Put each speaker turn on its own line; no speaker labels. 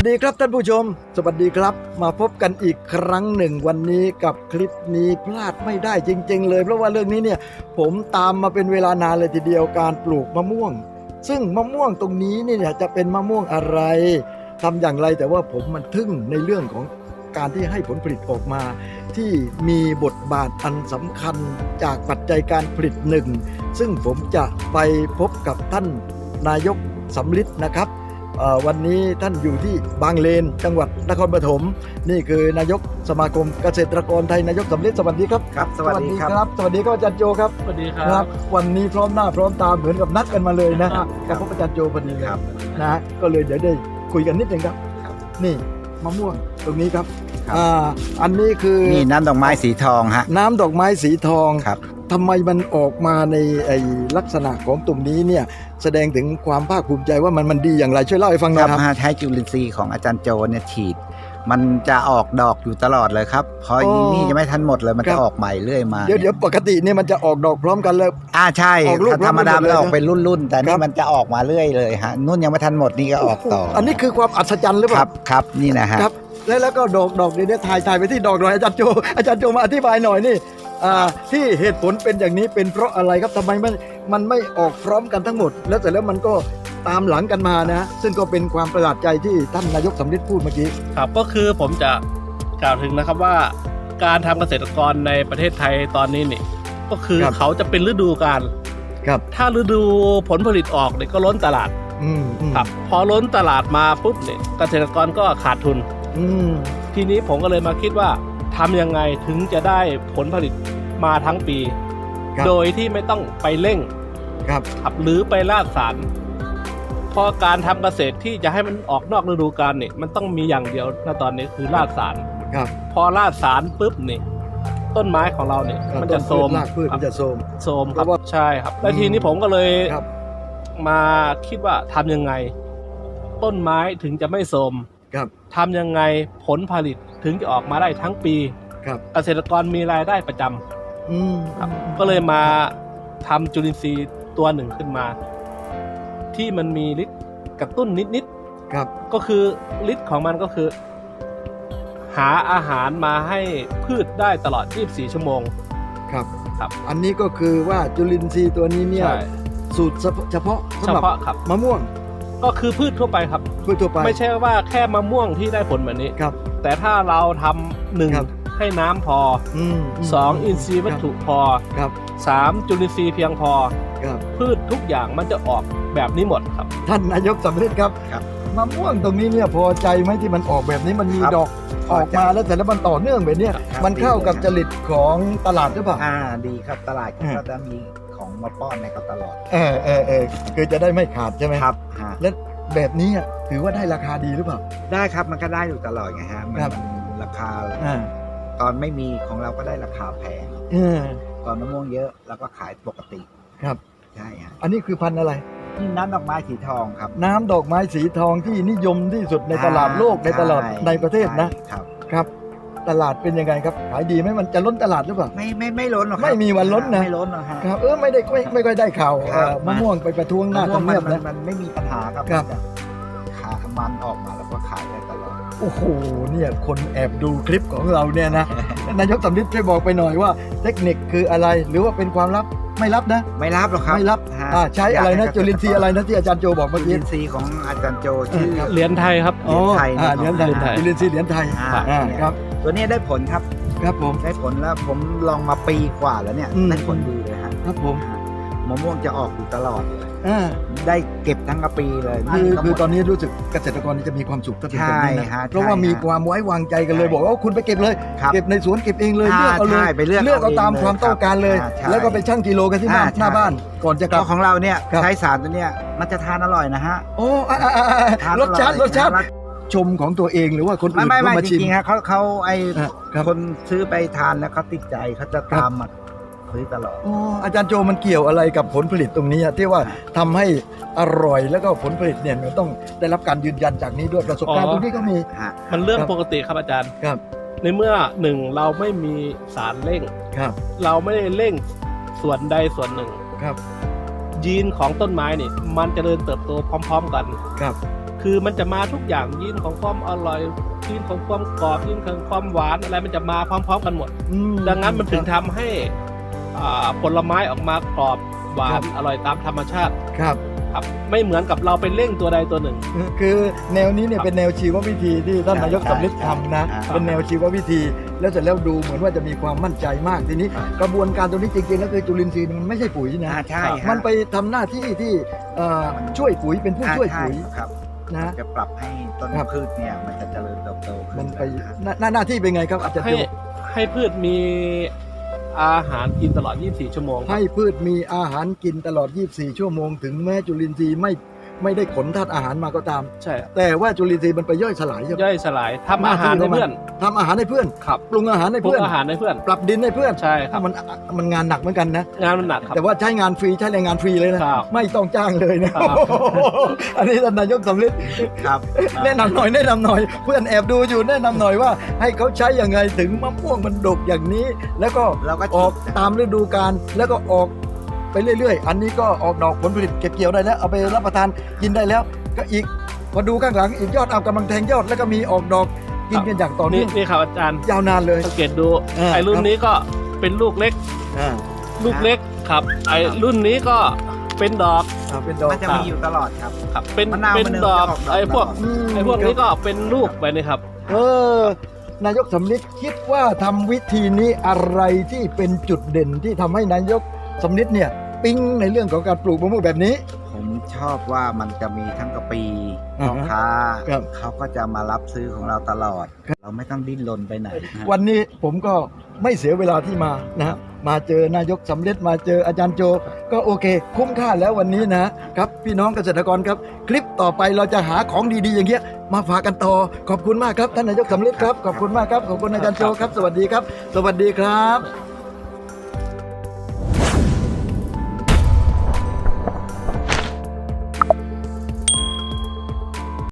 ดีครับท่านผู้ชมสวัสดีครับมาพบกันอีกครั้งหนึ่งวันนี้กับคลิปนี้พลาดไม่ได้จริงๆเลยเพราะว่าเรื่องนี้เนี่ยผมตามมาเป็นเวลานานเลยทีเดียวการปลูกมะม่วงซึ่งมะม่วงตรงนี้เนี่ยจะเป็นมะม่วงอะไรทำอย่างไรแต่ว่าผมมันทึ่งในเรื่องของการที่ให้ผลผลิตออกมาที่มีบทบาทอันสำคัญจากปัจจัยการผลิตหนึ่งซึ่งผมจะไปพบกับท่านนายกสำริดนะครับวันนี้ท่านอยู่ที่บางเลนจังหวัดนครปฐมนี่คือนายกสมาคมเกษตรกรไทยนายกสำริดสวัสดีครับ
ครับสวัสดีครับ
สวัสดีครับอาจารย์โจครับ
สวัสดีครับ
วันนี้พร้อมหน้าพร้อมตาเหมือนกับนัดกันมาเลยนะกับพบอาจารย์โจพอดีเลยนะก็เลยเดี๋ยวได้คุยกันนิดนึงครับนี่มะม่วงตรงนี้ครับอันนี้คือ
นี่น้ำดอกไม้สีทองฮะ
น้ำดอกไม้สีทอง
ครับ
ทำไมมันออกมาในลักษณะของตรงนี้เนี่ยแสดงถึงความภาคภูมิใจว่ามันดีอย่างไรช่วยเล่าให้ฟังหน่อยครับ
ใช้จุลินทรีย์ของอาจารย์โจเนี่ยฉีดมันจะออกดอกอยู่ตลอดเลยครับพอนี่จะไม่ทันหมดเลยมันจะออกใหม่เรื่อยมา
เดี๋ยวปกติเนี่ยมันจะออกดอกพร้อมกันเลย
ใช่ธรรมดามันออกเป็นรุ่นๆแต่นี่มันจะออกมาเรื่อยเลยฮะนุ่นยังไม่ทันหมดนี่ก็ออกต่อ
อันนี้คือความอัศจรรย์หรือเปล่า
ครับนี่นะฮะ
แล้วก็ดอกเนี่ยถ่ายไปที่ดอกหน่อยอาจารย์โจมาอธิบายหน่อยนี่ที่เหตุผลเป็นอย่างนี้เป็นเพราะอะไรครับทำไมมันไม่ออกพร้อมกันทั้งหมดแล้วเสร็จแล้วมันก็ตามหลังกันมานะซึ่งก็เป็นความประหลาดใจที่ท่านนายกสำริดพูดเมื่อกี้
ครับก็คือผมจะกล่าวถึงนะครับว่าการทำเกษตรกรในประเทศไทยตอนนี้นี่ก็คือเขาจะเป็นฤดูกาล
ครับ
ถ้าฤดูผลผลิตออกเนี่ยก็ล้นตลาดครับพอล้นตลาดมาปุ๊บเนี่ยเกษตรกรก็ขาดทุนทีนี้ผมก็เลยมาคิดว่าทำยังไงถึงจะได้ผลผลิตมาทั้งปีโดยที่ไม่ต้องไปเร่งครับหรือไปลาดสารพอการทำเกษตรที่จะให้มันออกนอกฤดูกาลเนี่ยมันต้องมีอย่างเดียวณตอนนี้คือลาดสารพอลาดสารปุ๊บนี่ต้นไม้ของเราเนี่ยมันจะโทรม
มันจะโทรม
ครับใช่ครับแล้วทีนี้ผมก็เลยมาคิดว่าทำยังไงต้นไม้ถึงจะไม่โทรมทำยังไงผลผลิตถึงจะออกมาได้ทั้งปีเกษตรกรมีรายได้ประจำก็เลยมาทำจุลินทรีย์ตัวหนึ่งขึ้นมาที่มันมีฤทธิ์กระตุ้นนิดๆก็คือฤทธิ์ของมันก็คือหาอาหารมาให้พืชได้ตลอด24ชั่วโมง
ครับอันนี้ก็คือว่าจุลินทรีย์ตัวนี้เนี่ยสูตรเฉพาะสำหรับมะม่วง
ก็คือพืชทั่วไปครับ
พืชทั่วไป
ไม่ใช่ว่าแค่มะม่วงที่ได้ผลแบบนี้แต่ถ้าเราทำหนึ่งให้น้ำพอ2อินทรีย์วัตถุพอ3จุลินทรีย์เพียงพอพืชทุกอย่างมันจะออกแบบนี้หมดครับ
ท่านนายกสำริดครับมะม่วงตรงนี้เนี่ยพอใจไหมที่มันออกแบบนี้มันมีดอกออกมาแล้วแต่แล้วมันต่อเนื่องแบบนี้มันเข้ากับจริตของตลาดหรือเปล่า
ดีครับตลาดก็จะมีของมาป้อนในเขาตลอด
คือจะได้ไม่ขาดใช่ไหม
ครับ
แล้วแบบนี้ถือว่าได้ราคาดีหรือเปล่า
ได้ครับมันก็ได้อยู่ตลอดไงฮะมันราคาตอนไม่มีของเราก็ได้ราคาแพงตอนมะม่วงเยอะเราก็ขายปกติ
ครับ
ใช่ฮะ
อันนี้คือพันธุ์อะไร
นี่น้ำดอกไม้สีทองครับ
น้ำดอกไม้สีทองที่นิยมที่สุดในตลาดโลกในตลาดในประเทศนะครับตลาดเป็นยังไงครับขายดีไหมมันจะล้นตลาดหรือเปล่า
ไม่ล้นหรอก
ไม่มีวันล้นนะ
ไม่ล้นหรอก
ครับไม่ค่อยได้ข่าวมะม่วงไปประท้วงหน้าทำเนียบนะ
มันไม่มีปัญหาครับขามันออกมาแล้วก็ขายได้ตลอด
โอ้โหเนี่ยคนแอบดูคลิปของเราเนี่ยนะนายกสำริดช่วยบอกไปหน่อยว่าเทคนิคคืออะไรหรือว่าเป็นความลับไม่รับนะ
ไม่รับหรอกครับ
ไม่รับใช้อะไรนะจุลินทรีย์อะไรนะที่อาจารย์โจบอกเมื่อกี้
จุลินทรีย์ของอาจารย์โจชื่อ
เหรียญไทยครับ
เหรียญไทยจุลินทรีย์เหรียญไทย
ครับตัวนี้ได้ผลครับ
ผม
ได้ผลแล้วผมลองมาปีกว่าแล้วเนี่ยได้ผลดีเลย
ครับผม
มะม่วงจะออกอยู่ตลอดเลยได้เก็บทั้งปีเลย
คือตอนนี้รู้สึกเกษตรกรจะมีความสุขถ้าเป็นแบบนี้นะเพราะว่ามีความไว้วางใจกันเลยบอกว่าคุณไปเก็บเลยเก็บในสวนเก็บเองเลยเลือกเอาเลยเลือกเอาตามความต้องการเลยแล้วก็ไปชั่งกิโลกันที่หน้าบ้านก่อนจะกลับ
ของเราเนี่ยใช้สารตัวเนี้ยมันจะทานอร่อยนะฮะ
โอ้รสชาติชมของตัวเองหรือว่าคนอื่น
ไม่จริงๆฮะเขาคนซื้อไปทานแล้วเขาติดใจเขาจะตามมาซื้อตลอด
อาจารย์โจมันเกี่ยวอะไรกับผลผลิตตรงนี้ที่ว่าทำให้อร่อยแล้วก็ผลผลิตเนี่ยมันต้องได้รับการยืนยันจากนี้ด้วยประสบการณ์ตรงนี้ก็มี
มันเรื่องปกติครับอาจารย์ในเมื่อหนึ่งเราไม่มีสารเร่งเราไม่ได้เร่งส่วนใดส่วนหนึ่งยีนของต้นไม้นี่มันจะเจริญเติบโตพร้อมๆกันคือมันจะมาทุกอย่างยีนของความอร่อยยีนของความกรอบยีนของความหวานอะไรมันจะมาพร้อมๆกันหมด ดังนั้นมันถึงทำให้ผลไม้ออกมากรอบหวานอร่อยตามธรรมชาติ
ครับ
ครับไม่เหมือนกับเราไปเร่งตัวใดตัวหนึ่ง
คือแนวนี้เนี่ยเป็นแนวชีววิธีที่ท่านนายกสำลิดทำนะ
ครับ
เป็นแนวชีววิธี แล้วเสร็จแล้วดูเหมือนว่าจะมีความมั่นใจมากทีนี้
ครับ
กระบวนการตรงนี้จริงๆแล้วคือจุลินทรีย์มันไม่ใช่ปุ๋ยนะ
ใช่ฮะ
มันไปทำหน้าที่ที่ช่วยปุ๋ยเป็นผู้ช่วยปุ๋ย
ใครับ
นะ
จะปรับให้ต้น
ครับ
พืชเนี่ยมันจะเจริญเติบโตขึ้
มัน
น
ไปหน้าที่เป็นไงครับอาจารย์
ให้
โจ
ให้พืชมีอาหารกินตลอด 24 ชั่วโมงครับ
ให้พืชมีอาหารกินตลอด 24 ชั่วโมง ถึงแม้จุลินทรีย์ไม่ได้ขนธาตุอาหารมาก็ตาม
ใช่ครับ
แต่ว่าจุลินทรีย์มันไปย่อยสลายใช่ไหม
ย่อยสลายทำอาหารให้เพื่อน
ทำอาหารให้เพื่อน
ครับ
ปรุงอาหารให้
ปรุง
เพื่อน
อาหารให้เพื่อน
ปรับดินให้เพื่อน
ใช่ครับ
มันงานหนักเหมือนกันนะ
งานมันหนักครับ
แต่ว่าใช้งานฟรีใช้แรงงานฟรีเลยนะ
ครับ
ไม่ต้องจ้างเลยนะครับ อันนี้ท่านนายกสำลิด
ครับ
แนะนำหน่อยเพื่อนแอบดูอยู่แนะนำหน่อยว่าให้เขาใช้ยังไงถึงมะม่วงมันดกอย่างนี้ แล้วก็
เราก็
ออกตามฤดูกาลแล้วก็ออกไปเรื่อยๆ อันนี้ก็ออกดอกผลผลิตเก็บเกี่ยวได้แล้วเอาไปรับประทานกินได้แล้ว ก็อีกพอดูข้างหลังอีกยอดเอากำลังแทงยอดแล้วก็มีออกดอกกินกันอย่างต่อ
นี่
เนื่อง
นี่ครับอาจารย์
ยาวนานเลย
สังเกตดู
อ่า
ไอ้รุ่นนี้ก็เป็นลูกเล็ก
อ่า
ลูกเล็กครับไอ้รุ่นนี้ก็เป็นดอก
เป็นดอก
มันจะมีอยู่ตลอดครับ
ครับเป็น
มะนาว
เป็น
มัน
ดอก
จะออกดอก
ไอ้พวก
ตลอด
ไอ้พวกนี้ก็เป็นลูกไปนี่ครับ
นายกสำลิดคิดว่าทำวิธีนี้อะไรที่เป็นจุดเด่นที่ทำให้นายกสำลิดเนี่ยปิ๊งในเรื่องของการปลูกมะม่วงแบบนี้
ผมชอบว่ามันจะมีทั้งกะปี
อ่า
พ่อ
ฮะ
ค้า
ครับ
เขาก็จะมารับซื้อของเราตลอด เราไม่ต้องดิ้นรนไปไหนฮะ
วันนี้ผมก็ไม่เสียเวลาที่มานะฮะมาเจอนายกสำลิดมาเจออาจารย์โจ ก็โอเค คุ้มค่าแล้ววันนี้นะครับพี่น้องเกษตรกรครับ คลิปต่อไปเราจะหาของดีๆอย่างเงี้ยมาฝากกันต่อขอบคุณมากครับท่านนายกสำลิดครับขอบคุณมากครับขอบคุณอาจารย์โจครับ สวัสดีครับ สวัสดีครับ